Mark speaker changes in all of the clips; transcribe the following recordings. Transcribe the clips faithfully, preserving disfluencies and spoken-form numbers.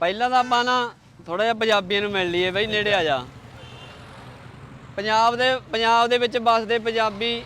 Speaker 1: ਪਹਿਲਾਂ ਤਾਂ ਆਪਾਂ ਨਾ ਥੋੜਾ ਜਿਹਾ ਪੰਜਾਬੀਆਂ ਨੂੰ ਮਿਲ ਲਈਏ ਬਈ, ਨੇੜੇ ਆ ਜਾ। ਪੰਜਾਬ ਦੇ ਪੰਜਾਬ ਦੇ ਵਿੱਚ ਵੱਸਦੇ ਪੰਜਾਬੀ,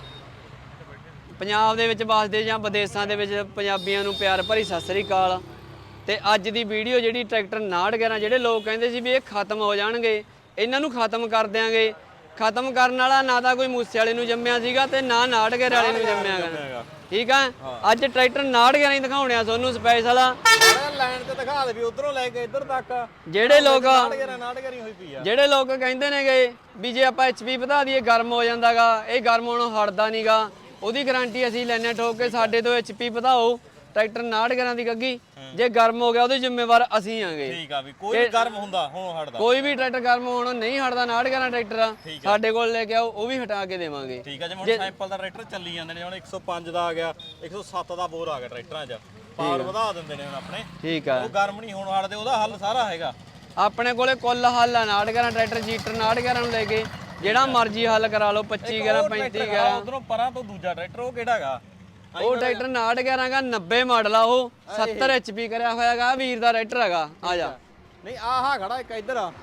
Speaker 1: ਪੰਜਾਬ ਦੇ ਵਿੱਚ ਵੱਸਦੇ ਜਾਂ ਵਿਦੇਸ਼ਾਂ ਦੇ ਵਿੱਚ ਪੰਜਾਬੀਆਂ ਨੂੰ ਪਿਆਰ ਭਰੀ ਸਤਿ ਸ੍ਰੀ ਅਕਾਲ। ਤੇ ਅੱਜ ਦੀ ਵੀਡੀਓ ਜਿਹੜੀ ਟਰੈਕਟਰ ਉਨਾਹਠ ਗਿਆਰਾਂ, ਜਿਹੜੇ ਲੋਕ ਕਹਿੰਦੇ ਸੀ ਵੀ ਇਹ ਖਤਮ ਹੋ ਜਾਣਗੇ, ਇਹਨਾਂ ਨੂੰ ਖਤਮ ਕਰ ਦਿਆਂਗੇ। ਖਤਮ ਕਰਨ ਵਾਲਾ ਨਾ ਤਾਂ ਕੋਈ ਮੂਸੇ ਵਾਲੇ ਨੂੰ ਜੰਮਿਆ ਸੀਗਾ ਤੇ ਨਾ ਉਨਾਹਠ ਗਿਆਰਾਂ ਵਾਲੇ ਨੂੰ ਜੰਮਿਆ ਗਾ, ਠੀਕ ਆ। ਅੱਜ ਟਰੈਕਟਰ ਉਨਾਹਠ ਗਿਆਰਾਂ ਹੀ ਦਿਖਾਉਣੇ ਆ ਤੁਹਾਨੂੰ ਸਪੈਸ਼ਲ।
Speaker 2: ਲਾਈਨ ਤੇ ਦਿਖਾ ਦੇ ਵੀ ਉਧਰੋਂ ਲੈ ਕੇ ਇੱਧਰ ਤੱਕ
Speaker 1: ਜਿਹੜੇ ਲੋਕ
Speaker 2: ਹੋਈ ਪਈ ਆ,
Speaker 1: ਜਿਹੜੇ ਲੋਕ ਕਹਿੰਦੇ ਨੇਗੇ ਵੀ ਜੇ ਆਪਾਂ ਐਚਪੀ ਵਧਾ ਦਈਏ ਗਰਮ ਹੋ ਜਾਂਦਾਗਾ, ਇਹ ਗਰਮ ਹੋਣੋਂ ਹਟਦਾ ਨਹੀਂਗਾ, ਉਹਦੀ ਗਾਰੰਟੀ ਅਸੀਂ ਲੈਣੇ ਠੋਕ ਕੇ। ਸਾਡੇ ਤੋਂ ਐਚਪੀ ਵਧਾਓ ਟਰੈਕਟਰ ਉਨਾਹਠ ਗਿਆਰਾਂ ਦੀ ਗੱਗੀ, ਜੇ ਗਰਮ ਹੋ ਗਿਆ ਉਹਦੇ ਜ਼ਿੰਮੇਵਾਰ ਅਸੀਂ ਆਂਗੇ।
Speaker 2: ਠੀਕ ਆ ਵੀ ਕੋਈ ਵੀ ਗਰਮ ਹੁੰਦਾ ਹੁਣ ਹਟਦਾ,
Speaker 1: ਕੋਈ ਵੀ ਟਰੈਕਟਰ ਗਰਮ ਹੋਣੋਂ ਨਹੀਂ ਹਟਦਾ। ਉਨਾਹਠ ਗਿਆਰਾਂ ਟਰੈਕਟਰ ਆ ਸਾਡੇ ਕੋਲ ਲੈ ਕੇ ਆਓ, ਉਹ ਵੀ ਹਟਾ ਕੇ ਦੇਵਾਂਗੇ।
Speaker 2: ਠੀਕ ਆ। ਜਿਵੇਂ ਸੈਂਪਲ ਦਾ ਟਰੈਕਟਰ ਚੱਲੀ ਜਾਂਦੇ ਨੇ, ਹੁਣ ਇੱਕ ਸੌ ਪੰਜ ਦਾ ਆ ਗਿਆ, ਇੱਕ ਸੌ ਸੱਤ ਦਾ ਬੋਰ ਆ ਗਿਆ ਟਰੈਕਟਰਾਂ 'ਚ, ਪਾਵਰ ਵਧਾ ਦਿੰਦੇ ਨੇ ਹੁਣ ਆਪਣੇ।
Speaker 1: ਠੀਕ ਆ,
Speaker 2: ਉਹ ਗਰਮ ਨਹੀਂ ਹੋਣ ਹਟਦੇ, ਉਹਦਾ ਹੱਲ ਸਾਰਾ ਹੈਗਾ
Speaker 1: ਆਪਣੇ ਕੋਲੇ। ਕੁੱਲ ਹੱਲ ਆ ਉਨਾਹਠ ਗਿਆਰਾਂ ਟਰੈਕਟਰ, ਜੀਟਰ ਉਨਾਹਠ ਗਿਆਰਾਂ ਨੂੰ ਲੈ ਕੇ ਜਿਹੜਾ ਮਰਜ਼ੀ ਹੱਲ ਕਰਾ ਲਓ। ਪੱਚੀ ਗਿਆਰਾਂ, ਪੈਂਤੀ ਗਿਆਰਾਂ।
Speaker 2: ਉਧਰੋਂ ਪਰਾਂ ਤੋਂ ਦੂਜਾ ਟਰੈਕਟਰ ਉਹ ਕਿਹੜਾ ਹੈਗਾ?
Speaker 1: ਉਹ ਟਰੈਕਟਰ ਉਨਾਹਠ ਗਿਆਰਾਂ ਦਾ ਨੱਬੇ ਮਾਡਲ ਆ, ਉਹ ਸੱਤਰ ਐਚਪੀ ਕਰਿਆ ਹੋਇਆ ਹੈਗਾ, ਵੀਰ ਦਾ ਟਰੈਕਟਰ ਹੈਗਾ। ਆ ਜਾ।
Speaker 2: ਨਹੀਂ ਆਹ ਖੜਾ ਇੱਕ ਇੱਧਰ ਆ,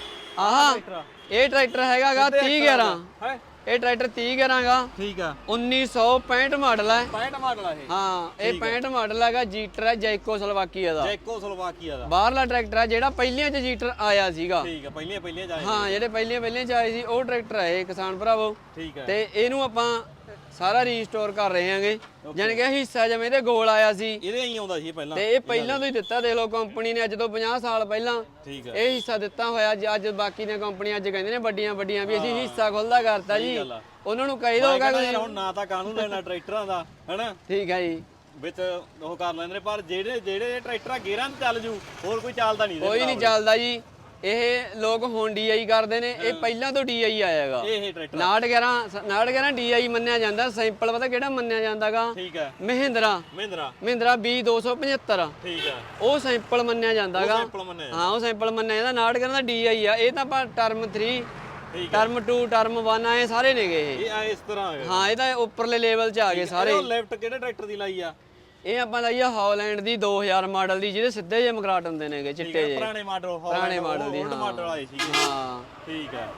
Speaker 1: ਆਹ ਇਹ ਟਰੈਕਟਰ ਹੈਗਾਗਾ ਤੀਹ ਗਿਆਰਾਂ। ਇਹ ਟਰੈਕਟਰ ਤੀਹ ਗਿਆਰਾਂ ਗਾ।
Speaker 2: ਠੀਕ ਆ।
Speaker 1: ਉੱਨੀ ਸੌ ਪੈਂਹਠ ਮਾਡਲ ਹੈ।
Speaker 2: ਪੈਂਹਠ ਮਾਡਲ ਆ ਇਹ?
Speaker 1: ਹਾਂ, ਇਹ ਪੈਂਹਠ ਮਾਡਲ ਹੈਗਾ। ਜੀਟਰ ਹੈ ਜੈਕੋ ਸਲੋਵਾਕੀਆ ਦਾ,
Speaker 2: ਜੈਕੋ ਸਲੋਵਾਕੀਆ ਦਾ
Speaker 1: ਬਾਹਰਲਾ ਟਰੈਕਟਰ ਹੈ ਜਿਹੜਾ ਪਹਿਲੀਆਂ ਚ ਜੀਟਰ ਆਇਆ ਸੀਗਾ।
Speaker 2: ਠੀਕ ਆ, ਪਹਿਲੀਆਂ ਪਹਿਲੀਆਂ ਜਾਏ।
Speaker 1: ਹਾਂ, ਜਿਹੜੇ ਪਹਿਲੀਆਂ ਪਹਿਲੀਆਂ ਚ ਆਏ ਸੀ ਉਹ ਟਰੈਕਟਰ ਹੈ ਇਹ, ਕਿਸਾਨ ਭਰਾਵੋ।
Speaker 2: ਠੀਕ ਹੈ।
Speaker 1: ਤੇ ਇਹਨੂੰ ਆਪਾਂ ਸਾਰਾ ਰੀਸਟੋਰ ਕਰ ਰਹੇ ਹਾਂਗੇ, ਜਾਨ ਕਿ ਹਿੱਸਾ ਜਿਵੇਂ ਇਹਦੇ ਗੋਲ ਆਇਆ ਸੀ,
Speaker 2: ਇਹਦੇ ਹੀ ਆਉਂਦਾ ਸੀ ਪਹਿਲਾਂ,
Speaker 1: ਤੇ ਇਹ ਪਹਿਲਾਂ ਤੋਂ ਹੀ ਦਿੱਤਾ। ਦੇਖ ਲਓ ਕੰਪਨੀ ਨੇ ਅੱਜ ਤੋਂ ਪੰਜਾਹ ਸਾਲ ਪਹਿਲਾਂ
Speaker 2: ਠੀਕ ਹੈ
Speaker 1: ਇਹ ਹਿੱਸਾ ਦਿੱਤਾ ਹੋਇਆ। ਅੱਜ ਬਾਕੀ ਦੀਆਂ ਕੰਪਨੀਆਂ ਅੱਜ ਕਹਿੰਦੇ ਨੇ ਵੱਡੀਆਂ ਵੱਡੀਆਂ ਵੀ ਅਸੀਂ ਹਿੱਸਾ ਖੁੱਲਦਾ ਕਰਤਾ ਜੀ, ਉਹਨਾਂ ਨੂੰ ਕਹੀ ਦੋਗਾ
Speaker 2: ਹੁਣ ਨਾ ਤਾਂ ਕਾਨੂੰਨ ਲੈਣਾ ਟਰੈਕਟਰਾਂ ਦਾ, ਹੈਨਾ।
Speaker 1: ਠੀਕ ਹੈ ਜੀ,
Speaker 2: ਵਿੱਚ ਉਹ ਕਰ ਲੈਂਦੇ ਨੇ, ਪਰ ਜਿਹੜੇ ਜਿਹੜੇ ਟਰੈਕਟਰ ਗੇਅਰਾਂ ਤੇ ਚੱਲ ਜੂ, ਹੋਰ ਕੋਈ ਚੱਲਦਾ ਨਹੀਂ।
Speaker 1: ਕੋਈ ਨਹੀਂ ਚੱਲਦਾ ਜੀ। ਇਹ ਲੋਕ ਹੁਣ ਡੀਆਈ ਕਰਦੇ ਨੇ, ਇਹ ਪਹਿਲਾਂ ਤੋਂ ਡੀਆਈ ਆਇਆਗਾ।
Speaker 2: ਇਹ ਟਰੈਕਟਰ
Speaker 1: ਉਨਾਹਠ ਗਿਆਰਾਂ ਉਨਾਹਠ ਗਿਆਰਾਂ ਡੀਆਈ ਮੰਨਿਆ ਜਾਂਦਾ। ਸਿੰਪਲ ਪਤਾ ਕਿਹੜਾ ਮੰਨਿਆ ਜਾਂਦਾਗਾ?
Speaker 2: ਠੀਕ ਹੈ,
Speaker 1: ਮਹਿੰਦਰਾ
Speaker 2: ਮਹਿੰਦਰਾ
Speaker 1: ਮਹਿੰਦਰਾ ਬੀ ਦੋ ਸੌ ਪਝੱਤਰ।
Speaker 2: ਠੀਕ ਹੈ,
Speaker 1: ਉਹ ਸਿੰਪਲ ਮੰਨਿਆ ਜਾਂਦਾਗਾ। ਹਾਂ, ਉਹ ਸਿੰਪਲ ਮੰਨਿਆ ਜਾਂਦਾ। ਉਨਾਹਠ ਗਿਆਰਾਂ ਦਾ ਡੀਆਈ ਆ। ਇਹ ਤਾਂ ਆਪਾਂ ਟਰਮ ਤਿੰਨ, ਟਰਮ ਦੋ, ਟਰਮ ਇੱਕ ਆਏ ਸਾਰੇ ਨੇਗੇ ਇਹ।
Speaker 2: ਇਹ ਇਸ ਤਰ੍ਹਾਂ ਹੈ।
Speaker 1: ਹਾਂ, ਇਹ ਤਾਂ ਉੱਪਰਲੇ ਲੈਵਲ 'ਚ ਆ ਗਏ ਸਾਰੇ।
Speaker 2: ਇਹ ਲੈਫਟ ਕਿਹੜੇ ਟਰੈਕਟਰ ਦੀ ਲਾਈ ਆ?
Speaker 1: ਇਹ ਆਪਾਂ ਲਈ ਆ ਹਾਲੈਂਡ ਦੀ ਦੋ ਹਜ਼ਾਰ ਮਾਡਲ ਦੀ, ਜਿਹਦੇ ਸਿੱਧੇ ਜਿਹੇ ਮਗਰਾਟ ਹੁੰਦੇ ਨੇਗੇ, ਚਿੱਟੇ ਜਿਹੇ।
Speaker 2: ਪੁਰਾਣੇ ਮਾਡਲ,
Speaker 1: ਪੁਰਾਣੇ ਮਾਡਲ ਦੀ,
Speaker 2: ਹਾਂ ਮਾਡਲ ਆਏ ਸੀ।
Speaker 1: ਹਾਂ,
Speaker 2: ਠੀਕ ਹੈ।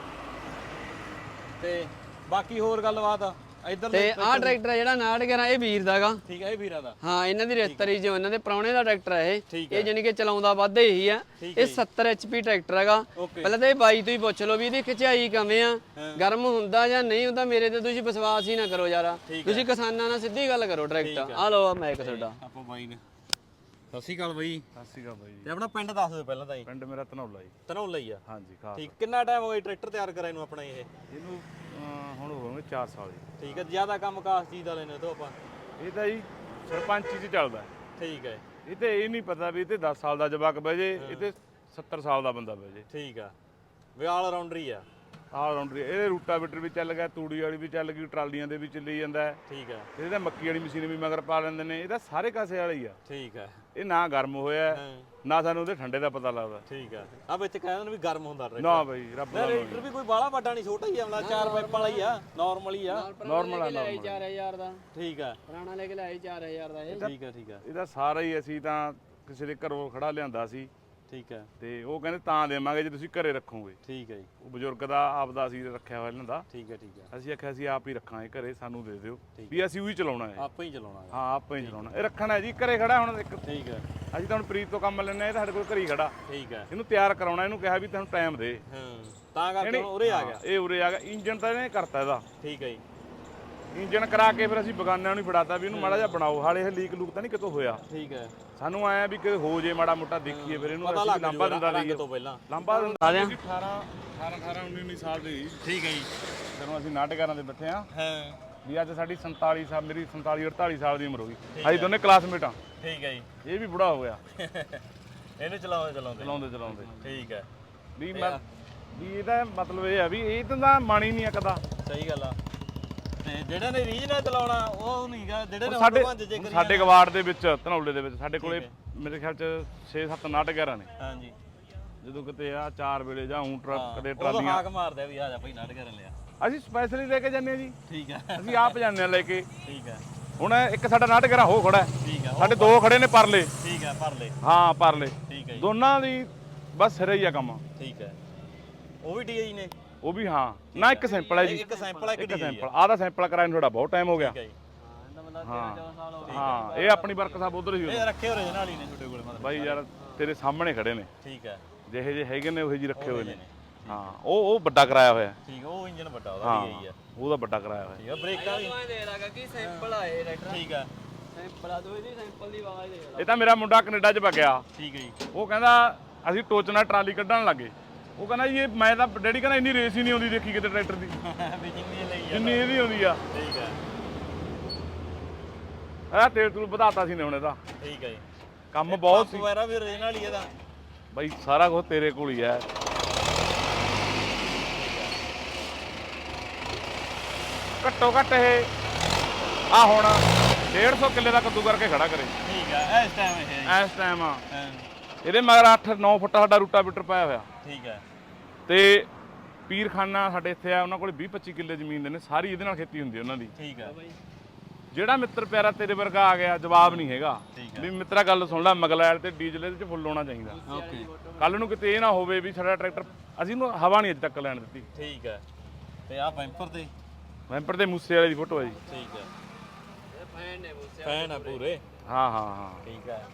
Speaker 2: ਤੇ ਬਾਕੀ ਹੋਰ ਗੱਲਬਾਤ ਇੱਧਰ
Speaker 1: ਤੇ ਆਹ ਟਰੈਕਟਰ ਹੈ ਜਿਹੜਾ ਉਨਾਹਠ ਗਿਆਰਾਂ, ਇਹ ਵੀਰ ਦਾਗਾ।
Speaker 2: ਠੀਕ ਹੈ, ਇਹ ਵੀਰਾਂ ਦਾ।
Speaker 1: ਹਾਂ, ਇਹਨਾਂ ਦੀ ਰਿਸ਼ਤੇਦਾਰੀ ਜੋ ਇਹਨਾਂ ਦੇ ਪ੍ਰਾਹੁਣੇ ਦਾ ਟਰੈਕਟਰ ਹੈ ਇਹ।
Speaker 2: ਠੀਕ
Speaker 1: ਇਹ ਜਾਨੀ ਕਿ ਚਲਾਉਂਦਾ ਵੱਧ ਇਹੀ ਆ। ਇਹ ਸੱਤਰ ਐਚਪੀ ਟਰੈਕਟਰ ਹੈਗਾ। ਪਹਿਲਾਂ ਤਾਂ ਇਹ ਬਾਈ ਤੋਂ ਹੀ ਪੁੱਛ ਲਓ ਵੀ ਇਹਦੀ ਖਿਚਾਈ ਕਿਵੇਂ ਆ, ਗਰਮ ਹੁੰਦਾ ਜਾਂ ਨਹੀਂ ਹੁੰਦਾ। ਮੇਰੇ ਤੇ ਤੁਸੀਂ ਵਿਸ਼ਵਾਸ ਹੀ ਨਾ ਕਰੋ ਯਾਰ, ਤੁਸੀਂ ਕਿਸਾਨਾਂ ਨਾਲ ਸਿੱਧੀ ਗੱਲ ਕਰੋ। ਟਰੈਕਟਰ ਆ ਲਓ, ਮੈਂ ਇੱਕ ਤੁਹਾਡਾ
Speaker 2: ਆਪਾਂ ਬਾਈ ਨੇ। ਸਤਿ ਸ਼੍ਰੀ ਅਕਾਲ ਬਾਈ।
Speaker 3: ਸਤਿ ਸ਼੍ਰੀ ਅਕਾਲ ਬਾਈ।
Speaker 2: ਤੇ ਆਪਣਾ ਪਿੰਡ ਦੱਸ ਦਿਓ ਪਹਿਲਾਂ ਤਾਂ ਜੀ।
Speaker 3: ਪਿੰਡ ਮੇਰਾ ਧਨੌਲਾ ਜੀ।
Speaker 2: ਧਨੌਲਾ ਹੀ ਆ?
Speaker 3: ਹਾਂਜੀ, ਖਾਸ।
Speaker 2: ਠੀਕ। ਕਿੰਨਾ ਟਾਈਮ ਹੋ ਗਿਆ ਟਰੈਕਟਰ ਤਿਆਰ ਕਰਾਏ ਨੂੰ ਆਪਣਾ? ਇਹ
Speaker 3: ਇਹਨੂੰ ਅਹ, ਹੁਣ ਹੋ ਗਏ ਚਾਰ ਸਾਲ ਜੀ।
Speaker 2: ਠੀਕ ਹੈ। ਜ਼ਿਆਦਾ ਕੰਮ ਕਾਸ ਚੀਜ਼ ਦਾ ਲੈਣੇ ਤੋਂ ਆਪਾਂ?
Speaker 3: ਇਹ ਤਾਂ ਜੀ ਸਰਪੰਚੀ 'ਚ ਚੱਲਦਾ।
Speaker 2: ਠੀਕ ਹੈ।
Speaker 3: ਇਹ ਤੇ ਇਹ ਨਹੀਂ ਪਤਾ ਵੀ ਇਹ ਤੇ ਦਸ ਸਾਲ ਦਾ ਜਵਾਕ ਬਹਿ ਜੇ, ਇਹ ਤੇ ਸੱਤਰ ਸਾਲ ਦਾ ਬੰਦਾ ਬਹਿ ਜੇ।
Speaker 2: ਠੀਕ ਆ, ਵੀ ਆਲ ਰਾਉਂਡਰ ਹੀ ਆ।
Speaker 3: ਆਲ ਰਾਉਂਡਰ। ਇਹਦੇ ਰੂਟਾਵੀਟਰ ਵੀ ਚੱਲ ਗਿਆ, ਤੂੜੀ ਵਾਲੀ ਵੀ ਚੱਲ ਗਈ, ਟਰਾਲੀਆਂ ਦੇ ਵੀ ਚੱਲੀ ਜਾਂਦਾ ਹੈ।
Speaker 2: ਠੀਕ ਆ।
Speaker 3: ਇਹਦੇ ਤਾਂ ਮੱਕੀ ਵਾਲੀ ਮਸ਼ੀਨ ਵੀ ਮਗਰ ਪਾ ਲੈਂਦੇ ਨੇ। ਇਹਦਾ ਸਾਰੇ ਕਾਸੇ ਵਾਲਾ ਹੀ ਆ।
Speaker 2: ਠੀਕ ਆ।
Speaker 3: ਇਹ ਨਾ ਗਰਮ ਹੋਇਆ, ਨਾ ਸਾਨੂੰ ਉਹਦੇ ਠੰਡੇ ਦਾ ਪਤਾ ਲੱਗਦਾ।
Speaker 2: ਠੀਕ ਆ। ਆ ਵਿੱਚ ਕਹਿੰਦੇ ਨੇ ਵੀ ਗਰਮ ਹੁੰਦਾ ਟਰੈਕਟਰ।
Speaker 3: ਨਾ ਬਾਈ, ਰੱਬ ਦਾ
Speaker 2: ਟਰੈਕਟਰ ਵੀ ਕੋਈ ਬਾਹਲਾ ਵੱਡਾ ਨਹੀਂ, ਛੋਟਾ ਹੀ ਆ, ਮਤਲਬ ਚਾਰ ਪਾਈਪ ਵਾਲਾ ਹੀ ਆ, ਨਾਰਮਲ ਹੀ ਆ।
Speaker 3: ਨਾਰਮਲ ਆ,
Speaker 1: ਨਾਰਮਲ। ਚਾਰ ਹਜ਼ਾਰ ਦਾ।
Speaker 2: ਠੀਕ ਆ।
Speaker 1: ਪੁਰਾਣਾ ਲੈ ਕੇ ਲਾਏ ਚਾਰ ਹਜ਼ਾਰ ਦਾ ਇਹ।
Speaker 2: ਠੀਕ ਆ। ਠੀਕ ਆ।
Speaker 3: ਇਹਦਾ ਸਾਰਾ ਹੀ ਅਸੀਂ ਤਾਂ ਕਿਸੇ ਦੇ ਘਰੋਂ ਖੜਾ ਲਿਆਂਦਾ ਸੀ।
Speaker 2: ਠੀਕ ਹੈ।
Speaker 3: ਤੇ ਉਹ ਕਹਿੰਦੇ ਤਾਂ ਦੇਵਾਂਗੇ ਜੇ ਤੁਸੀਂ ਘਰੇ ਰੱਖੋਗੇ।
Speaker 2: ਠੀਕ ਹੈ ਜੀ।
Speaker 3: ਉਹ ਬਜ਼ੁਰਗ ਦਾ ਆਪਦਾ ਅਸੀਂ ਰੱਖਿਆ ਹੋਇਆ ਇਹਨਾਂ ਦਾ।
Speaker 2: ਠੀਕ ਹੈ। ਠੀਕ ਹੈ।
Speaker 3: ਅਸੀਂ ਆਖਿਆ ਅਸੀਂ ਆਪ ਹੀ ਰੱਖਾਂਗੇ ਘਰੇ, ਸਾਨੂੰ ਦੇ ਦਿਓ ਵੀ ਅਸੀਂ ਉਹੀ ਚਲਾਉਣਾ ਹੈ।
Speaker 2: ਆਪਾਂ ਹੀ ਚਲਾਉਣਾ।
Speaker 3: ਹਾਂ, ਆਪਾਂ ਹੀ ਚਲਾਉਣਾ। ਇਹ ਰੱਖਣਾ ਹੈ ਜੀ, ਘਰੇ ਖੜਾ ਹੁਣ ਇੱਕ।
Speaker 2: ਠੀਕ ਹੈ।
Speaker 3: ਅਸੀਂ ਤਾਂ ਹੁਣ ਪ੍ਰੀਤ ਤੋਂ ਕੰਮ ਲੈਣਾ, ਇਹ ਸਾਡੇ ਕੋਲ ਘਰੇ ਹੀ ਖੜਾ।
Speaker 2: ਠੀਕ ਹੈ।
Speaker 3: ਇਹਨੂੰ ਤਿਆਰ ਕਰਾਉਣਾ, ਇਹਨੂੰ ਕਿਹਾ ਵੀ ਤੈਨੂੰ ਟਾਈਮ ਦੇ।
Speaker 2: ਹਾਂ, ਤਾਂ ਕਰਕੇ ਉਰੇ ਆ ਗਿਆ।
Speaker 3: ਇਹ ਉਰੇ ਆ ਗਿਆ। ਇੰਜਨ ਤਾਂ ਇਹਨੇ ਕਰਤਾ ਇਹਦਾ।
Speaker 2: ਠੀਕ ਹੈ ਜੀ।
Speaker 3: ਇੰਜਨ ਕਰਾ ਕੇ ਫਿਰ ਅਸੀਂ ਬਗਾਨਿਆਂ ਨੂੰ ਫੜਾਤਾ ਵੀ ਇਹਨੂੰ ਮਾੜਾ ਜਿਹਾ ਬਣਾਓ, ਹਾਲੇ ਇਹ ਲੀਕ ਲੂਕ ਤਾਂ ਨਹੀਂ ਕਿਤੋਂ ਹੋਇਆ।
Speaker 2: ਠੀਕ ਹੈ।
Speaker 3: ਸਾਨੂੰ ਆਇਆ ਵੀ ਕਿ ਹੋ ਜੇ ਮਾੜਾ ਮੋਟਾ ਦੇਖੀਏ, ਫਿਰ ਇਹਨੂੰ
Speaker 2: ਪਤਾ ਲੱਗ
Speaker 3: ਲਾਂਬਾ ਦਿੰਦਾ ਰਹੀਏ
Speaker 2: ਤੋਂ ਪਹਿਲਾਂ।
Speaker 3: ਲਾਂਬਾ ਦਿੰਦਾ ਅਠਾਰਾਂ ਅਠਾਰਾਂ ਉੱਨੀ ਉੱਨੀ ਸਾਲ ਦੀ।
Speaker 2: ਠੀਕ ਹੈ ਜੀ।
Speaker 3: ਜਦੋਂ ਅਸੀਂ ਨਾਟਕਾਰਾਂ ਦੇ ਬੈਠੇ ਆ,
Speaker 2: ਹਾਂ,
Speaker 3: ਵੀ ਅੱਜ ਸਾਡੀ ਸੰਤਾਲੀ ਸਾਲ, ਮੇਰੀ ਸੰਤਾਲੀ ਅੜਤਾਲੀ ਸਾਲ ਦੀ ਉਮਰ ਹੋ ਗਈ। ਅਸੀਂ ਦੋਨੇ ਕਲਾਸਮੇਟ ਆ।
Speaker 2: ਠੀਕ ਹੈ ਜੀ।
Speaker 3: ਇਹ ਵੀ ਬੁੜਾ ਹੋ ਗਿਆ
Speaker 2: ਇਹਨੂੰ ਚਲਾਉਂਦੇ ਚਲਾਉਂਦੇ
Speaker 3: ਚਲਾਉਂਦੇ ਚਲਾਉਂਦੇ।
Speaker 2: ਠੀਕ ਹੈ।
Speaker 3: ਵੀ ਮੈਂ ਵੀ ਇਹਦਾ ਮਤਲਬ ਇਹ ਆ ਵੀ ਇਹ ਤਾਂ ਮਨ ਹੀ ਨਹੀਂ ਅਕਦਾ।
Speaker 2: ਸਹੀ ਗੱਲ ਆ। ਤੇ ਜਿਹੜੇ ਨੇ ਰੀਜ ਨਾਲ ਚਲਾਉਣਾ ਉਹ ਨਹੀਂਗਾ, ਜਿਹੜੇ ਨੇ
Speaker 3: ਸਾਡੇ
Speaker 2: ਭੰਜ ਜੇ ਕਰੀ
Speaker 3: ਸਾਡੇ ਗਵਾੜ ਦੇ ਵਿੱਚ, ਧਨੌਲੇ ਦੇ ਵਿੱਚ ਸਾਡੇ ਕੋਲੇ ਮੇਰੇ ਖਿਆਲ ਚ ਛੇ ਸੱਤ ਨਾਟ ਗਿਆਰਾਂ ਨੇ।
Speaker 2: ਹਾਂਜੀ।
Speaker 3: ਜਦੋਂ ਕਿਤੇ ਆ ਚਾਰ ਵੇਲੇ ਜਾਂ ਊਂ ਟਰੱਕ ਕਦੇ
Speaker 2: ਉਹ
Speaker 3: ਟਰਾਲੀਆਂ,
Speaker 2: ਹਾਕ ਮਾਰਦੇ ਆ ਵੀ ਆ ਜਾ ਭਾਈ ਨਾਟ ਕਰਨ ਲਿਆ।
Speaker 3: ਅਸੀਂ ਸਪੈਸ਼ਲੀ ਲੈ ਕੇ ਜਾਂਦੇ ਆ ਜੀ।
Speaker 2: ਠੀਕ ਹੈ।
Speaker 3: ਅਸੀਂ ਆਪ ਜਾਂਦੇ ਆ ਲੈ ਕੇ।
Speaker 2: ਠੀਕ ਹੈ।
Speaker 3: ਹੁਣ ਇੱਕ ਸਾਡਾ ਨਾਟ ਗਰਾ ਹੋ ਖੜਾ ਹੈ।
Speaker 2: ਠੀਕ ਆ
Speaker 3: ਸਾਡੇ ਦੋ ਖੜੇ ਨੇ ਪਰਲੇ।
Speaker 2: ਠੀਕ ਆ ਪਰਲੇ।
Speaker 3: ਹਾਂ ਪਰਲੇ
Speaker 2: ਠੀਕ ਹੈ ਜੀ।
Speaker 3: ਦੋਨਾਂ ਦੀ ਬਸ ਸਿਰੇ ਹੀ ਆ ਕੰਮ।
Speaker 2: ਠੀਕ ਹੈ ਉਹ ਵੀ ਡੀਆਈ ਨੇ
Speaker 3: ਉਹ ਵੀ ਹਾਂ ਨਾ ਇੱਕ ਸੈਂਪਲ ਹੈ ਜੀ।
Speaker 2: ਇੱਕ ਸੈਂਪਲ ਹੈ, ਇੱਕ
Speaker 3: ਇੱਕ
Speaker 2: ਡੀਆਈ
Speaker 3: ਸੈਂਪਲ ਆਹ ਦਾ ਸੈਂਪਲ ਕਰਾਇਆ ਨੂੰ ਤੁਹਾਡਾ ਬਹੁਤ ਟਾਈਮ ਹੋ ਗਿਆ।
Speaker 2: ਠੀਕ ਹੈ ਜੀ।
Speaker 3: ਹਾਂ ਇਹ ਆਪਣੀ ਵਰਕਸ਼ਾਪ ਉਧਰ ਹੀ
Speaker 2: ਇਹ ਰੱਖੇ ਹੋਏ ਨਾਲ ਹੀ ਨੇ ਤੁਹਾਡੇ ਕੋਲੇ ਮਤਲਬ
Speaker 3: ਬਾਈ ਯਾਰ ਤੇਰੇ ਸਾਹਮਣੇ ਖੜੇ ਨੇ।
Speaker 2: ਠੀਕ ਹੈ
Speaker 3: ਜਿਹੇ ਜਿਹੇ ਹੈਗੇ ਨੇ ਉਹੇ ਜੀ ਰੱਖੇ ਹੋਏ ਨੇ। ਹਾਂ ਉਹ ਉਹ ਵੱਡਾ ਕਰਾਇਆ ਹੋਇਆ।
Speaker 2: ਠੀਕ ਉਹ ਇੰਜਨ ਵੱਡਾ ਉਹਦਾ
Speaker 3: ਹਾਂ
Speaker 2: ਡੀਆਈ ਆ।
Speaker 3: ਉਹਦਾ ਵੱਡਾ ਕਰਾਇਆ ਹੋਇਆ।
Speaker 2: ਠੀਕ ਆ ਬ੍ਰੇਕਾਂ ਵੀ
Speaker 1: ਦੇ ਲਾਗਾ ਕਿ ਸੈਂਪਲ ਆਏ ਟਰੈਕਟਰ।
Speaker 2: ਠੀਕ ਆ
Speaker 1: ਸੈਂਪਲ ਆ ਦੋ ਇਹਦੀ ਸੈਂਪਲ ਦੀ ਆਵਾਜ਼ ਦੇ
Speaker 3: ਇਹ ਤਾਂ ਮੇਰਾ ਮੁੰਡਾ ਕੈਨੇਡਾ 'ਚ ਵਗਿਆ।
Speaker 2: ਠੀਕ ਹੈ ਜੀ।
Speaker 3: ਉਹ ਕਹਿੰਦਾ ਅਸੀਂ ਟੋਚ ਨਾਲ ਟਰਾਲੀ ਕੱਢਣ ਲੱਗੇ। ਉਹ ਕਹਿੰਦਾ ਜੀ ਇਹ ਮੈਂ ਤਾਂ ਡੈਡੀ ਕਹਿੰਦਾ ਇੰਨੀ ਰੇਸ ਹੀ ਨਹੀਂ ਆਉਂਦੀ ਦੇਖੀ ਕਿਤੇ ਟਰੈਕਟਰ ਦੀ
Speaker 2: ਵੀ ਜਿੰਨੀ ਲਈ ਆ
Speaker 3: ਜਿੰਨੀ ਇਹਦੀ ਆਉਂਦੀ ਆ।
Speaker 2: ਠੀਕ ਹੈ
Speaker 3: ਆ ਤੇਲ ਤੂਲ ਵਧਾਤਾ ਸੀ ਨੇ ਹੁਣ ਇਹਦਾ
Speaker 2: ਠੀਕ ਹੈ ਜੀ।
Speaker 3: ਕੰਮ ਬਹੁਤ ਸੀ
Speaker 2: ਵਗੈਰਾ ਵੀ ਓਰੀਜਨਲ ਹੀ ਇਹਦਾ
Speaker 3: ਬਾਈ ਸਾਰਾ ਕੁਝ ਤੇਰੇ ਕੋਲ ਹੀ ਹੈ। ਘੱਟੋ ਘੱਟ ਇਹ ਆ ਹੁਣ ਡੇਢ ਸੌ ਕਿੱਲੇ ਦਾ ਕੱਦੂ ਕਰਕੇ ਖੜਾ ਕਰੇ।
Speaker 2: ਠੀਕ ਹੈ ਇਸ ਟਾਈਮ ਇਹ ਹੈ
Speaker 3: ਇਸ ਟਾਈਮ ਆ
Speaker 2: ਹਾਂ,
Speaker 3: ਇਹਦੇ ਮਗਰ ਅੱਠ ਨੌ ਫੁੱਟ ਸਾਡਾ ਰੂਟਾ ਬੀਟਰ ਪਾਇਆ ਹੋਇਆ।
Speaker 2: ਠੀਕ ਹੈ
Speaker 3: ਤੇ ਪੀਰਖਾਨਾ ਸਾਡੇ ਇੱਥੇ ਆ ਉਹਨਾਂ ਕੋਲ ਵੀਹ ਪੱਚੀ ਕਿੱਲੇ ਜ਼ਮੀਨ ਦੇ ਨੇ ਸਾਰੀ ਇਹਦੇ ਨਾਲ ਖੇਤੀ ਹੁੰਦੀ ਉਹਨਾਂ ਦੀ।
Speaker 2: ਠੀਕ ਹੈ
Speaker 3: ਜਿਹੜਾ ਮਿੱਤਰ ਪਿਆਰਾ ਤੇਰੇ ਵਰਗਾ ਆ ਗਿਆ ਜਵਾਬ ਨਹੀਂ ਹੈਗਾ
Speaker 2: ਠੀਕ
Speaker 3: ਵੀ ਮਿੱਤਰਾ ਗੱਲ ਸੁਣ ਲੈ ਮਗਲੈਲ ਤੇ ਡੀਜ਼ਲ ਇਹਦੇ ਚ ਫੁੱਲ ਹੋਣਾ ਚਾਹੀਦਾ।
Speaker 2: ਓਕੇ
Speaker 3: ਕੱਲ ਨੂੰ ਕਿਤੇ ਇਹ ਨਾ ਹੋਵੇ ਵੀ ਸਾਡਾ ਟਰੈਕਟਰ ਅਸੀਂ ਨੂੰ ਹਵਾ ਨਹੀਂ ਅਜੇ ਤੱਕ ਲੈਣ ਦਿੱਤੀ।
Speaker 2: ਠੀਕ ਹੈ ਤੇ ਆ ਬੈਂਪਰ ਤੇ
Speaker 3: ਵੈਂਪਰ ਦੇ ਮੂਸੇ ਵਾਲੇ ਦੀ ਫੋਟੋ ਹੈ ਜੀ।
Speaker 2: ਠੀਕ ਹੈ
Speaker 1: ਫੈਨ ਨੇ ਬੋਸਿਆ
Speaker 2: ਫੈਨ ਆ ਪੂਰੇ।
Speaker 3: ਹਾਂ ਹਾਂ ਹਾਂ
Speaker 2: ਠੀਕ ਹੈ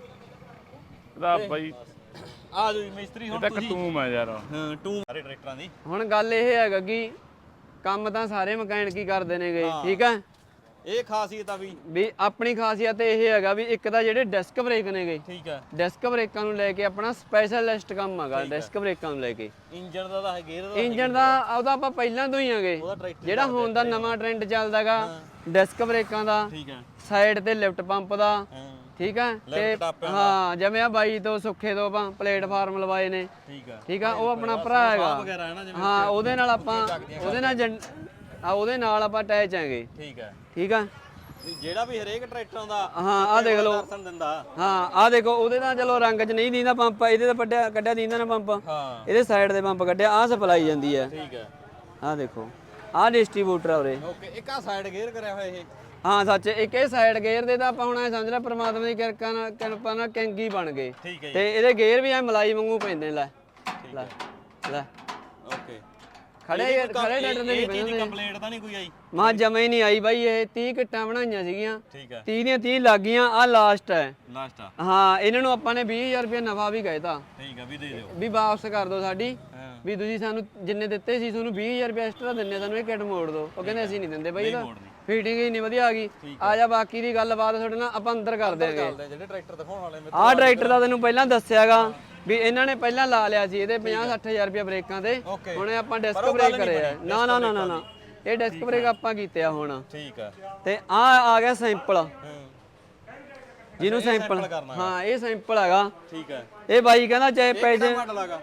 Speaker 3: ਇਹਦਾ ਬਾਈ
Speaker 2: ਆ ਜੋ ਮਿਸਤਰੀ
Speaker 3: ਇਹ
Speaker 2: ਹੁਣ
Speaker 3: ਤਾਂ
Speaker 2: ਤੁਸੀਂ
Speaker 3: ਕਟੂਮ ਹੈ ਯਾਰ।
Speaker 2: ਹਾਂ ਟੂ ਸਾਰੇ ਟਰੈਕਟਰਾਂ ਦੀ
Speaker 1: ਹੁਣ ਗੱਲ ਇਹ ਹੈਗਾ ਕਿ ਕੰਮ ਤਾਂ ਸਾਰੇ ਮਕੈਨਿਕ ਹੀ ਕਰਦੇ ਨੇਗੇ ਠੀਕ ਹੈ।
Speaker 2: ਇਹ ਖਾਸੀਅਤ ਆ ਵੀ
Speaker 1: ਵੀ ਆਪਣੀ ਖਾਸੀਅਤ ਇਹ ਹੈਗਾ ਵੀ ਇੱਕ ਤਾਂ ਜਿਹੜੇ ਡਿਸਕ ਬ੍ਰੇਕ ਨੇਗੇ
Speaker 2: ਠੀਕ ਹੈ
Speaker 1: ਡਿਸਕ ਬ੍ਰੇਕਾਂ ਨੂੰ ਲੈ ਕੇ ਆਪਣਾ ਸਪੈਸ਼ਲਿਸਟ ਕੰਮ ਹੈਗਾ ਡਿਸਕ ਬ੍ਰੇਕਾਂ ਨੂੰ ਲੈ ਕੇ।
Speaker 2: ਇੰਜਨ ਦਾ ਤਾਂ ਗੇਅਰ ਦਾ
Speaker 1: ਇੰਜਨ ਦਾ ਉਹਦਾ ਆਪਾਂ ਪਹਿਲਾਂ ਤੋਂ ਹੀ ਆਗੇ
Speaker 2: ਉਹਦਾ ਟਰੈਕਟਰ
Speaker 1: ਜਿਹੜਾ ਹੁਣ ਦਾ ਨਵਾਂ ਟ੍ਰੈਂਡ ਚੱਲਦਾਗਾ ਡਿਸਕ ਬ੍ਰੇਕਾਂ ਦਾ
Speaker 2: ਠੀਕ ਹੈ
Speaker 1: ਸਾਈਡ ਤੇ ਲਿਫਟ ਪੰਪ ਦਾ
Speaker 2: ਹਾਂ
Speaker 1: ਠੀਕ ਹੈ ਤੇ
Speaker 2: ਲਿਫਟ ਟਾਪਿਆਂ
Speaker 1: ਹਾਂ ਜਿਵੇਂ ਆ ਬਾਈ ਤੋਂ ਸੁੱਖੇ ਤੋਂ ਆਪਾਂ ਪਲੇਟਫਾਰਮ ਲਵਾਏ ਨੇ
Speaker 2: ਠੀਕ ਹੈ
Speaker 1: ਠੀਕ ਆ ਉਹ ਆਪਣਾ ਭਰਾ ਹੈਗਾ
Speaker 2: ਵਗੈਰਾ ਹੈ ਨਾ ਜਿਵੇਂ
Speaker 1: ਹਾਂ ਉਹਦੇ ਨਾਲ ਆਪਾਂ ਉਹਦੇ ਨਾਲ ਜਨ- ਆ ਉਹਦੇ ਨਾਲ ਆਪਾਂ ਅਟੈਚ ਆਂਗੇ
Speaker 2: ਠੀਕ ਹੈ
Speaker 1: ਠੀਕ ਆ
Speaker 2: ਵੀ ਜਿਹੜਾ ਵੀ ਹਰੇਕ ਟਰੈਕਟਰ ਦਾ
Speaker 1: ਹਾਂ ਆ ਦੇਖ ਲਓ
Speaker 2: ਦਰਸ਼ਨ ਦਿੰਦਾ
Speaker 1: ਹਾਂ ਆ ਦੇਖੋ ਉਹਦੇ ਨਾਲ ਚਲੋ ਰੰਗ 'ਚ ਨਹੀਂ ਦੀਂਦਾ ਪੰਪ ਇਹਦੇ ਤਾਂ ਵੱਡਿਆ ਕੱਢਿਆ ਦੀਂਦਾ ਨਾ ਪੰਪ
Speaker 2: ਹਾਂ
Speaker 1: ਇਹਦੇ ਸਾਈਡ ਦੇ ਪੰਪ ਕੱਢਿਆ ਆ ਸਪਲਾਈ ਜਾਂਦੀ ਹੈ
Speaker 2: ਠੀਕ ਹੈ
Speaker 1: ਆ ਦੇਖੋ ਆ ਡਿਸਟ੍ਰੀਬਿਊਟਰ ਆ ਉਰੇ
Speaker 2: ਓਕੇ ਇੱਕ ਆ ਸਾਈਡ ਗੇਅਰ ਕਰਿਆ ਹੋਇਆ ਇਹ
Speaker 1: ਹਾਂ ਸੱਚ ਇੱਕ ਇਹ ਸਾਈਡ ਗੇਅਰ ਦੇ ਤਾਂ ਆਪਾਂ ਹੁਣ ਐ ਸਮਝ ਲੈ ਪ੍ਰਮਾਤਮਾ ਦੀ ਕਿਰਪਾ ਨਾਲ ਕਿਰਪਾ ਨਾਲ ਕੈਂਗੀ ਬਣ ਗਏ
Speaker 2: ਠੀਕ ਹੈ ਜੀ
Speaker 1: ਤੇ ਇਹਦੇ ਗੇਅਰ ਵੀ ਐ ਮਲਾਈ ਵਾਂਗੂ ਪੈਂਦੇ ਨੇ ਲੈ ਲੈ ਲੈ
Speaker 2: ਓਕੇ
Speaker 1: ਖੜੇ ਖੜੇ ਡਾਟਰ ਦੇ ਨਹੀਂ
Speaker 2: ਇਹ ਚੀਜ਼ ਦੀ
Speaker 1: ਪੈਂਦੇ
Speaker 2: ਕੰਪਲੇਂਟ ਤਾਂ ਨਹੀਂ ਕੋਈ ਆਈ
Speaker 1: ਮਾਂ ਜਮੇ ਹੀ ਨਹੀਂ ਆਈ ਬਾਈ ਇਹ ਤੀਹ ਕਿੱਟਾਂ ਬਣਾਈਆਂ ਸੀਗੀਆਂ
Speaker 2: ਠੀਕ ਹੈ
Speaker 1: ਤੀਹ ਦੀਆਂ ਤੀਹ ਲੱਗ ਗਈਆਂ ਆ ਲਾਸਟ ਹੈ
Speaker 2: ਲਾਸਟ ਆ
Speaker 1: ਹਾਂ ਇਹਨਾਂ ਨੂੰ ਆਪਾਂ ਨੇ ਵੀਹ ਹਜ਼ਾਰ ਰੁਪਏ ਨਫਾ ਵੀ ਕਹਿਤਾ
Speaker 2: ਠੀਕ ਹੈ ਵੀ ਦੇ ਦਿਓ
Speaker 1: ਵੀ ਵਾਪਸ ਕਰ ਦਿਓ ਸਾਡੀ
Speaker 2: ਹਾਂ
Speaker 1: ਵੀ ਤੁਸੀਂ ਸਾਨੂੰ ਜਿੰਨੇ ਦਿੱਤੇ ਸੀ ਤੁਹਾਨੂੰ ਵੀਹ ਹਜ਼ਾਰ ਰੁਪਏ ਐਕਸਟਰਾ ਦਿੰਨੇ ਸਾਨੂੰ ਇਹ ਕਿੱਟ ਮੋੜ ਦਿਓ ਉਹ ਕਹਿੰਦੇ ਅਸੀਂ ਨਹੀਂ ਦਿੰਦੇ ਬਾਈ ਇਹਦਾ
Speaker 2: ਮੋੜਨੀ
Speaker 1: ਫੀਟਿੰਗ ਹੀ ਨਹੀਂ ਵਧੀਆ ਆ ਗਈ ਆ ਜਾ ਬਾਕੀ ਦੀ ਗੱਲਬਾਤ ਤੁਹਾਡੇ ਨਾਲ ਆਪਾਂ ਅੰਦਰ ਕਰ ਦਿਆਂਗੇ
Speaker 2: ਚੱਲਦੇ ਜਿਹੜੇ ਟਰੈਕਟਰ ਦਿਖਾਉਣ ਵਾਲੇ ਮੇਰੇ
Speaker 1: ਆਹ ਟਰੈਕਟਰ ਦਾ ਤੈਨੂੰ ਪਹਿਲਾਂ ਦੱਸਿਆਗਾ ਵੀ ਇਹਨਾਂ ਨੇ ਪਹਿਲਾਂ ਲਾ ਲਿਆ ਸੀ ਇਹਦੇ ਪੰਜਾਹ ਸੱਠ ਹਜ਼ਾਰ ਰੁਪਏ ਬ੍ਰੇਕਾਂ ਤੇ
Speaker 2: Okay।
Speaker 1: ਹੁਣ ਆਪਾਂ ਡਿਸਕ ਬ੍ਰੇਕ ਕਰੇ ਆ ਨਾ ਨਾ ਨਾ ਨਾ ਨਾ ਇਹ ਡਿਸਕ ਬ੍ਰੇਕ ਆਪਾਂ ਕੀਤੇ ਆ ਹੁਣ
Speaker 2: ਠੀਕ ਹੈ
Speaker 1: ਤੇ ਆ ਆ ਗਿਆ ਸੈਂਪਲ
Speaker 2: ਹਾਂ
Speaker 1: ਜਿਹਨੂੰ ਸੈਂਪਲ
Speaker 2: ਕਰਨਾ
Speaker 1: ਹਾਂ ਇਹ ਸੈਂਪਲ ਹੈਗਾ
Speaker 2: ਠੀਕ ਹੈ
Speaker 1: ਇਹ ਬਾਈ ਕਹਿੰਦਾ ਚਾਹੇ ਪੈਸੇ
Speaker 2: ਮਾਡਲ ਆਗਾ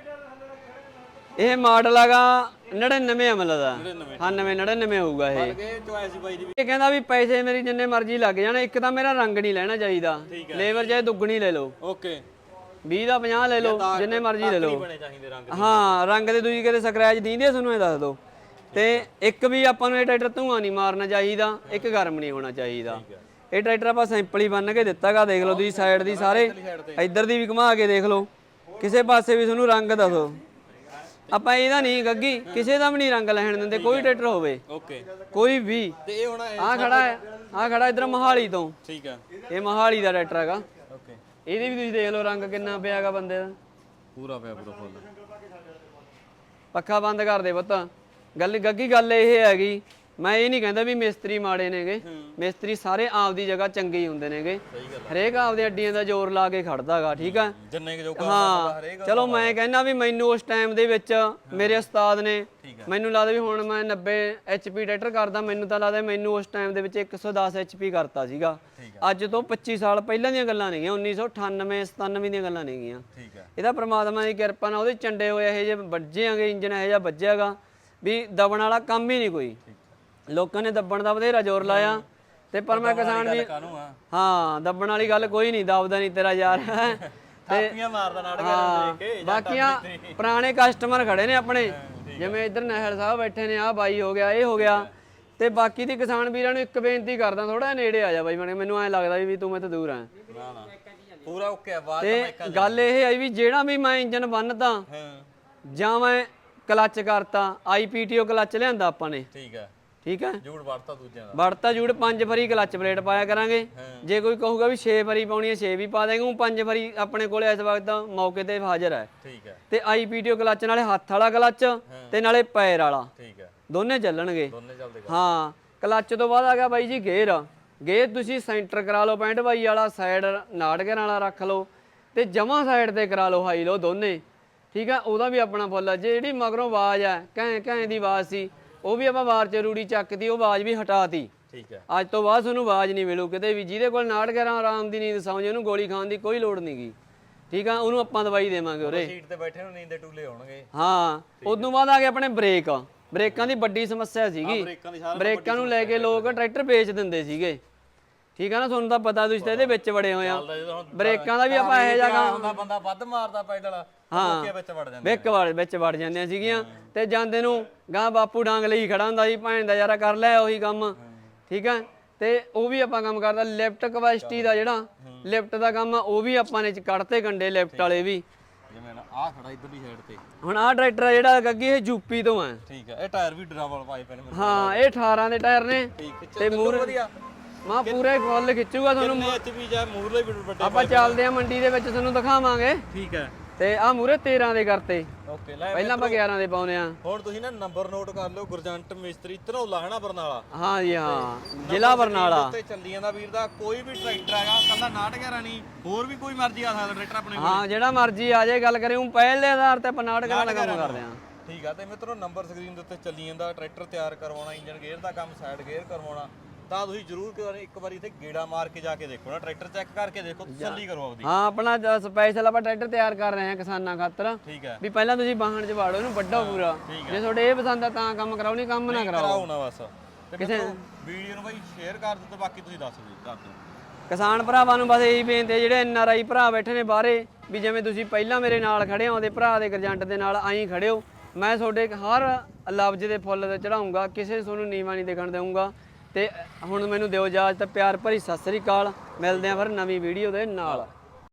Speaker 1: ਇਹ ਮਾਡਲ ਹੈਗਾ ਨੜਿਨਵੇਂ ਅਮਲ ਦਾ
Speaker 2: ਨੜਿਨਵੇਂ।
Speaker 1: ਹਾਂ ਨਵੇਂ ਨੜਿਨਵੇਂ ਹੋਊਗਾ ਇਹ
Speaker 2: ਇਹ ਚੁਆਇਸ ਬਾਈ ਦੀ ਵੀ
Speaker 1: ਇਹ ਕਹਿੰਦਾ ਵੀ ਪੈਸੇ ਮੇਰੀ ਜਿੰਨੇ ਮਰਜ਼ੀ ਲੱਗ ਜਾਣ ਇੱਕ ਤਾਂ ਮੇਰਾ ਰੰਗ ਨਹੀਂ ਲੈਣਾ ਚਾਹੀਦਾ ਲੇਬਰ ਚਾਹੇ ਦੁੱਗਣੀ ਲੈ ਲਓ
Speaker 2: ਓਕੇ
Speaker 1: ਵੀਹ ਦਾ ਪੰਜਾਹ ਲੈ ਲਓ ਜਿੰਨੇ ਮਰਜ਼ੀ ਲੈ ਲਓ
Speaker 2: ਬਣੇ ਚਾਹੀਦੇ ਰੰਗ
Speaker 1: ਹਾਂ ਰੰਗ ਦੇ ਦੂਜੀ ਕਿਤੇ ਸਕ੍ਰੈਚ ਦੀਂਦੇ ਤੁਹਾਨੂੰ ਇਹ ਦੱਸ ਦਿਓ ਤੇ ਇੱਕ ਵੀ ਆਪਾਂ ਨੂੰ ਇਹ ਟਰੈਕਟਰ ਧੂਆਂ ਨਹੀਂ ਮਾਰਨਾ ਚਾਹੀਦਾ ਇੱਕ ਗਰਮ ਨਹੀਂ ਹੋਣਾ ਚਾਹੀਦਾ ਇਹ ਟਰੈਕਟਰ ਆਪਾਂ ਸਿੰਪਲ ਹੀ ਬੰਨ ਕੇ ਦਿੱਤਾਗਾ ਦੇਖ ਲਓ ਤੁਸੀਂ ਸਾਈਡ ਦੀ ਸਾਰੇ ਇੱਧਰ ਦੀ ਵੀ ਘੁਮਾ ਕੇ ਦੇਖ ਲਓ ਕਿਸੇ ਪਾਸੇ ਵੀ ਤੁਹਾਨੂੰ ਰੰਗ ਦੱਸੋ ਆਪਾਂ ਇਹਦਾ ਨਹੀਂ ਗੱਗੀ ਕਿਸੇ ਦਾ ਵੀ ਨਹੀਂ ਰੰਗ ਲੈਣ ਦਿੰਦੇ ਕੋਈ ਟਰੈਕਟਰ ਹੋਵੇ
Speaker 2: ਓਕੇ
Speaker 1: ਕੋਈ ਵੀ
Speaker 2: ਤੇ ਇਹ ਹੁਣ
Speaker 1: ਆ ਖੜਾ ਹੈ ਆ ਖੜਾ ਇਧਰ ਮੋਹਾਲੀ ਤੋਂ
Speaker 2: ਠੀਕ ਹੈ
Speaker 1: ਇਹ ਮੋਹਾਲੀ ਦਾ ਟਰੈਕਟਰ ਹੈਗਾ
Speaker 2: ਓਕੇ
Speaker 1: ਇਹਦੇ ਵੀ ਤੁਸੀਂ ਦੇਖ ਲਓ ਰੰਗ ਕਿੰਨਾ ਪਿਆ ਹੈਗਾ ਬੰਦੇ ਦਾ
Speaker 2: ਪੂਰਾ ਪਿਆ ਪੂਰਾ ਫੁੱਲ
Speaker 1: ਪੱਖਾ ਬੰਦ ਕਰ ਦੇ ਪੁੱਤ ਗੱਲ ਗੱਗੀ ਗੱਲ ਇਹ ਹੈਗੀ ਮੈਂ ਇਹ ਨਹੀਂ ਕਹਿੰਦਾ ਵੀ ਮਿਸਤਰੀ ਮਾੜੇ ਨੇਗੇ ਮਿਸਤਰੀ ਸਾਰੇ ਆਪਦੀ ਜਗ੍ਹਾ ਚੰਗੇ ਹੀ ਹੁੰਦੇ ਨੇਗੇ ਹਰੇਕ ਆਪਦੇ ਅੱਡੀਆਂ ਦਾ ਜ਼ੋਰ ਲਾ ਕੇ ਖੜਦਾਗਾ ਠੀਕ ਆ
Speaker 2: ਜਿੰਨੇ ਜੋ
Speaker 1: ਹਾਂ ਚਲੋ ਮੈਂ ਕਹਿੰਦਾ ਵੀ ਮੈਨੂੰ ਉਸ ਟਾਈਮ ਦੇ ਵਿੱਚ ਮੇਰੇ ਉਸਤਾਦ ਨੇ ਮੈਨੂੰ ਲੱਗਦਾ ਵੀ ਹੁਣ ਮੈਂ ਨੱਬੇ ਐਚਪੀ ਟਰੈਕਟਰ ਕਰਦਾ ਮੈਨੂੰ ਤਾਂ ਲੱਗਦਾ ਮੈਨੂੰ ਉਸ ਟਾਈਮ ਦੇ ਵਿੱਚ ਇੱਕ ਸੌ ਦਸ ਐਚਪੀ ਕਰਤਾ ਸੀਗਾ ਅੱਜ ਤੋਂ ਪੱਚੀ ਸਾਲ ਪਹਿਲਾਂ ਦੀਆਂ ਗੱਲਾਂ ਨੇਗੀਆਂ ਉੱਨੀ ਸੌ ਅਠਾਨਵੇਂ ਸਤਾਨਵੇਂ ਦੀਆਂ ਗੱਲਾਂ ਨੇਗੀਆਂ
Speaker 2: ਠੀਕ ਹੈ
Speaker 1: ਇਹਦਾ ਪ੍ਰਮਾਤਮਾ ਦੀ ਕਿਰਪਾ ਨਾਲ ਉਹਦੇ ਚੰਡੇ ਹੋਏ ਇਹੋ ਜਿਹੇ ਵੱਜੇਆਂਗੇ ਇੰਜਨ ਇਹੋ ਜਿਹਾ ਵੱਜਿਆਗਾ ਵੀ ਦਬਣ ਵਾਲਾ ਕੰਮ ਹੀ ਨਹੀਂ ਕੋਈ ਲੋਕਾਂ ਨੇ ਦੱਬਣ ਦਾ ਬਥੇਰਾ ਜ਼ੋਰ ਲਾਇਆ ਤੇ ਪਰ ਮੈਂ ਕਿਸਾਨ ਵੀ ਹਾਂ ਦੱਬਣ ਵਾਲੀ ਗੱਲ ਕੋਈ ਨਹੀਂ ਦਬਦਾ ਨਹੀਂ ਤੇਰਾ ਯਾਰ
Speaker 2: ਥਾਪੀਆਂ ਮਾਰਦਾ ਨਾੜ
Speaker 1: ਹਾਂ
Speaker 2: ਕੇ
Speaker 1: ਬਾਕੀਆਂ ਪੁਰਾਣੇ ਕਸਟਮਰ ਖੜੇ ਨੇ ਆਪਣੇ ਜਿਵੇਂ ਇੱਧਰ ਨਹਿਲ ਸਾਹਿਬ ਬੈਠੇ ਨੇ ਆਹ ਬਾਈ ਹੋ ਗਿਆ ਇਹ ਹੋ ਗਿਆ ਤੇ ਬਾਕੀ ਦੀ ਕਿਸਾਨ ਵੀਰਾਂ ਨੂੰ ਇੱਕ ਬੇਨਤੀ ਕਰਦਾ, ਥੋੜਾ ਨੇੜੇ ਆ ਜਾ ਬਾਈ ਬਣੇ, ਮੈਨੂੰ ਐਂ ਲੱਗਦਾ ਵੀ ਤੂੰ ਮੈਥੋਂ ਦੂਰ ਆ।
Speaker 2: ਨਾ ਨਾ ਪੂਰਾ ਓਕੇ ਆ ਬਾਅਦ
Speaker 1: ਤੇ ਗੱਲ ਇਹ ਹੈ ਵੀ ਜਿਹੜਾ ਵੀ ਮੈਂ ਇੰਜਨ ਬੰਨਤਾ
Speaker 2: ਹਾਂ
Speaker 1: ਜਾਂ ਮੈਂ ਕਲੱਚ ਕਰਤਾ, ਆਈਪੀਟੀਓ ਕਲੱਚ ਲਿਆਂਦਾ ਆਪਾਂ ਨੇ,
Speaker 2: ਠੀਕ ਹੈ
Speaker 1: ਠੀਕ ਹੈ,
Speaker 2: ਜੂੜ ਵੜਤਾ ਦੂਜਿਆਂ ਦਾ,
Speaker 1: ਵੜਤਾ ਜੂੜ ਪੰਜ ਵਾਰੀ ਕਲੱਚ ਪਲੇਟ ਪਾਇਆ ਕਰਾਂਗੇ। ਜੇ ਕੋਈ ਕਹੂਗਾ ਵੀ ਛੇ ਵਾਰੀ ਪਾਉਣੀ ਹੈ ਛੇ ਵੀ ਪਾ ਦੇਂਗੇ, ਉਹ ਪੰਜ ਵਾਰੀ ਆਪਣੇ ਕੋਲੇ ਇਸ ਵਕਤ ਮੌਕੇ ਤੇ ਹਾਜ਼ਰ ਹੈ।
Speaker 2: ਠੀਕ ਹੈ
Speaker 1: ਤੇ ਆਈਪੀਟੀਓ ਕਲੱਚ ਨਾਲੇ ਹੱਥ ਵਾਲਾ ਕਲੱਚ ਤੇ ਨਾਲੇ ਪੈਰ ਵਾਲਾ,
Speaker 2: ਠੀਕ ਹੈ
Speaker 1: ਦੋਨੇ ਚੱਲਣਗੇ।
Speaker 2: ਦੋਨੇ ਚੱਲਦੇ
Speaker 1: ਹਾਂ ਕਲੱਚ ਤੋਂ ਬਾਅਦ ਆ ਗਿਆ ਬਾਈ ਜੀ ਗੇਅਰ। ਗੇਅਰ ਤੁਸੀਂ ਸੈਂਟਰ ਕਰਾ ਲਓ ਪੈਂਹਠ ਬਾਈ ਵਾਲਾ, ਸਾਈਡ ਨਾਟਗਰ ਵਾਲਾ ਰੱਖ ਲਓ ਤੇ ਜਮਾਂ ਸਾਈਡ ਤੇ ਕਰਾ ਲਓ ਹਾਈ ਲਓ ਦੋਨੇ, ਠੀਕ ਆ। ਉਹਦਾ ਵੀ ਆਪਣਾ ਫੁੱਲ ਆ। ਜਿਹੜੀ ਮਗਰੋਂ ਆਵਾਜ਼ ਆ ਘੈਂ ਘੈਂ ਦੀ ਆਵਾਜ਼ ਸੀ, ਉਹ ਵੀ ਆਪਾਂ ਵਾਰ ਚ ਰੂੜੀ ਚੱਕਦੀ, ਉਹ ਆਵਾਜ਼ ਵੀ ਹਟਾਤੀ।
Speaker 2: ਠੀਕ ਹੈ
Speaker 1: ਅੱਜ ਤੋਂ ਬਾਅਦ ਤੁਹਾਨੂੰ ਆਵਾਜ਼ ਨਹੀਂ ਮਿਲੂ ਕਿਤੇ ਵੀ। ਜਿਹਦੇ ਕੋਲ ਨਾਟਗਰ ਆਰਾਮ ਦੀ ਨੀਂਦ ਸੌਂ ਜੇ, ਉਹਨੂੰ ਗੋਲੀ ਖਾਣ ਦੀ ਕੋਈ ਲੋੜ ਨਹੀਂਗੀ, ਠੀਕ ਆ। ਉਹਨੂੰ ਆਪਾਂ ਦਵਾਈ ਦੇਵਾਂਗੇ ਉਰੇ।
Speaker 2: ਸੀਟ ਤੇ ਬੈਠੇ ਨੂੰ ਨੀਂਦ ਦੇ ਟੂਲੇ ਹੋਣਗੇ।
Speaker 1: ਹਾਂ ਉਦੋਂ ਬਾਅਦ ਆ ਗਏ ਆਪਣੇ ਬ੍ਰੇਕ। ਬ੍ਰੇਕਾਂ ਦੀ ਵੱਡੀ ਸਮੱਸਿਆ ਸੀਗੀ,
Speaker 2: ਬ੍ਰੇਕਾਂ ਦੀ ਸਾਰਿਆਂ
Speaker 1: ਬ੍ਰੇਕਾਂ ਨੂੰ ਲੈ ਕੇ ਲੋਕ ਟਰੈਕਟਰ ਵੇਚ ਦਿੰਦੇ ਸੀਗੇ, ਠੀਕ ਆ ਨਾ। ਤੁਹਾਨੂੰ ਤਾਂ ਪਤਾ, ਤੁਸੀਂ ਤਾਂ ਇਹਦੇ ਵਿੱਚ ਵੜੇ ਹੋਏ ਆ। ਬ੍ਰੇਕਾਂ ਦਾ ਵੀ ਆਪਾਂ ਇਹੋ ਜਿਹਾ ਕੰਮ
Speaker 2: ਹੁੰਦਾ, ਬੰਦਾ ਵੱਧ ਮਾਰਦਾ ਪੈਡਲ,
Speaker 1: ਹਾਂ
Speaker 2: ਓਕੇ ਵਿੱਚ ਵੜ ਜਾਂਦਾ,
Speaker 1: ਵਿੱਚ ਵੜ ਵਿੱਚ ਵੜ ਜਾਂਦੀਆਂ ਸੀਗੀਆਂ। ਤੇ ਜਾਂਦੇ ਨੂੰ ਗਾਂ ਬਾਪੂ ਡਾਂਗ ਲਈ ਖੜਾ ਹੁੰਦਾ ਸੀ, ਭੈਣ ਦਾ ਯਾਰਾ ਕਰ ਲੈ ਉਹੀ ਕੰਮ, ਠੀਕ ਆ। ਤੇ ਉਹ ਵੀ ਆਪਾਂ ਕੰਮ ਕਰਦਾ। ਲਿਫਟ ਕਪੈਸਿਟੀ ਦਾ ਜਿਹੜਾ ਲਿਫਟ ਦਾ ਕੰਮ ਆ, ਉਹ ਵੀ ਆਪਾਂ ਨੇ ਕੱਢਤੇ ਕੰਡੇ ਲਿਫਟ ਵਾਲੇ ਵੀ।
Speaker 2: ਜਿਵੇਂ ਨਾ ਆਹ ਖੜਾ ਇਧਰਲੀ ਸਾਈਡ ਤੇ।
Speaker 1: ਹੁਣ ਆਹ ਟਰੈਕਟਰ ਆ ਜਿਹੜਾ ਗੱਗੀ, ਇਹ ਯੂਪੀ ਤੋਂ ਆ।
Speaker 2: ਠੀਕ ਹੈ ਇਹ ਟਾਇਰ ਵੀ ਡਰਾਵਲ ਪਾਏ ਪਏ ਨੇ ਮੈਨੂੰ।
Speaker 1: ਹਾਂ ਇਹ ਅਠਾਰਾਂ ਦੇ ਟਾਇਰ ਨੇ ਤੇ ਮੂਹਰੇ
Speaker 2: ਵਧੀਆ
Speaker 1: ਮਾ ਪੂਰੇ ਫੁੱਲ ਖਿੱਚੂਗਾ ਤੁਹਾਨੂੰ।
Speaker 2: ਕਿੰਨੇ ਐਚ ਪੀ ਜਾਂ ਮੂਰਲੇ ਵੀ ਵੱਡੇ
Speaker 1: ਆਪਾਂ ਚੱਲਦੇ ਆ ਮੰਡੀ ਦੇ ਵਿੱਚ, ਤੁਹਾਨੂੰ ਦਿਖਾਵਾਂਗੇ।
Speaker 2: ਠੀਕ ਹੈ
Speaker 1: ਤੇ ਆ ਮੂਰੇ ਤੇਰਾਂ ਦੇ ਕਰਤੇ,
Speaker 2: ਓਕੇ ਲੈ
Speaker 1: ਪਹਿਲਾਂ ਆਪਾਂ ਗਿਆਰਾਂ ਦੇ ਪਾਉਨੇ ਆ।
Speaker 2: ਹੁਣ ਤੁਸੀਂ ਨਾ ਨੰਬਰ ਨੋਟ ਕਰ ਲਓ, ਗੁਰਜੰਟ ਮਿਸਤਰੀ ਧਨੌਲਾ ਹੈ ਨਾ ਬਰਨਾਲਾ।
Speaker 1: ਹਾਂ ਜੀ ਹਾਂ, ਜ਼ਿਲ੍ਹਾ ਬਰਨਾਲਾ।
Speaker 2: ਤੇ ਚੱਲੀ ਜਾਂਦਾ ਵੀਰ ਦਾ ਕੋਈ ਵੀ ਟਰੈਕਟਰ ਹੈਗਾ, ਕੱਲਾ ਨਾਟਗਰਾ ਨਹੀਂ, ਹੋਰ ਵੀ ਕੋਈ ਮਰਜ਼ੀ ਆ ਸਕਦਾ ਟਰੈਕਟਰ ਆਪਣੇ ਕੋਲ।
Speaker 1: ਹਾਂ ਜਿਹੜਾ ਮਰਜ਼ੀ ਆ ਜਾਏ, ਗੱਲ ਕਰੇ ਉਹ ਪਹਿਲੇ ਆਧਾਰ ਤੇ ਆਪਾਂ ਨਾਟਕਾਂ ਵਾਲਾ ਕੰਮ ਕਰਦੇ ਆ।
Speaker 2: ਠੀਕ ਆ। ਤੇ ਮਿੱਤਰੋ ਨੰਬਰ ਸਕਰੀਨ ਦੇ ਉੱਤੇ ਚੱਲੀ ਜਾਂਦਾ। ਟਰੈਕਟਰ ਤਿਆਰ ਕਰਵਾਉਣਾ, ਇੰਜਨ ਗੇਅਰ ਦਾ ਕੰਮ, ਸਾਈਡ ਗੇਅਰ ਕਰਵਾਉਣਾ, ਤਾਂ ਤੁਸੀਂ ਜ਼ਰੂਰ ਇੱਕ ਵਾਰੀ ਇੱਥੇ ਗੇੜਾ ਮਾਰ ਕੇ ਜਾ ਕੇ ਦੇਖੋ ਨਾ, ਟਰੈਕਟਰ ਚੈੱਕ ਕਰਕੇ ਦੇਖੋ, ਤਸੱਲੀ ਕਰੋ ਆਪਦੀ।
Speaker 1: ਹਾਂ ਆਪਣਾ ਸਪੈਸ਼ਲ ਆਪਾਂ ਟਰੈਕਟਰ ਤਿਆਰ ਕਰ ਰਹੇ ਆ ਕਿਸਾਨਾਂ ਖਾਤਰ,
Speaker 2: ਠੀਕ ਹੈ
Speaker 1: ਵੀ ਪਹਿਲਾਂ ਤੁਸੀਂ ਵਾਹਣ ਚ ਵਾੜੋ ਇਹਨੂੰ ਵੱਡਾ ਪੂਰਾ। ਜੇ ਤੁਹਾਡੇ ਇਹ ਪਸੰਦ ਆ ਤਾਂ ਕੰਮ ਕਰਾਓ, ਨਹੀਂ ਕੰਮ ਨਾ ਕਰਾਓ।
Speaker 2: ਕਰਾਓ ਨਾ ਬਸ। ਤੇ ਕਿਸੇ ਵੀਡੀਓ ਨੂੰ ਬਾਈ ਸ਼ੇਅਰ ਕਰ ਦਿਓ, ਤੇ ਬਾਕੀ ਤੁਸੀਂ ਦੱਸ ਦਿਓ ਕਰ ਦਿਓ।
Speaker 1: ਕਿਸਾਨ ਭਰਾਵਾਂ ਨੂੰ ਬਸ ਇਹੀ ਬੇਨਤੀ ਹੈ, ਜਿਹੜੇ ਐਨ ਆਰ ਆਈ ਭਰਾ ਬੈਠੇ ਨੇ ਬਾਹਰੇ, ਵੀ ਜਿਵੇਂ ਤੁਸੀਂ ਪਹਿਲਾਂ ਮੇਰੇ ਨਾਲ ਖੜੇ ਹੋ, ਉਹਦੇ ਭਰਾ ਦੇ ਗਰਜੰਟ ਦੇ ਨਾਲ ਆਈ ਖੜੇ ਹੋ। ਮੈਂ ਤੁਹਾਡੇ ਹਰ ਲਫ਼ਜ਼ ਦੇ ਫੁੱਲ ਤੇ ਚੜਾਉਂਗਾ, ਕਿਸੇ ਤੁਹਾਨੂੰ ਨੀਵਾਂ ਨਹੀਂ ਦਿਖਣ ਦੇਵਾਂਗਾ। ਤੇ ਹੁਣ ਮੈਨੂੰ ਦਿਓ ਇਜਾਜ਼ਤ, ਪਿਆਰ ਭਰੀ ਸਤਿ ਸ੍ਰੀ ਅਕਾਲ। ਮਿਲਦੇ ਆ ਫਿਰ ਨਵੀਂ ਵੀਡੀਓ ਦੇ ਨਾਲ।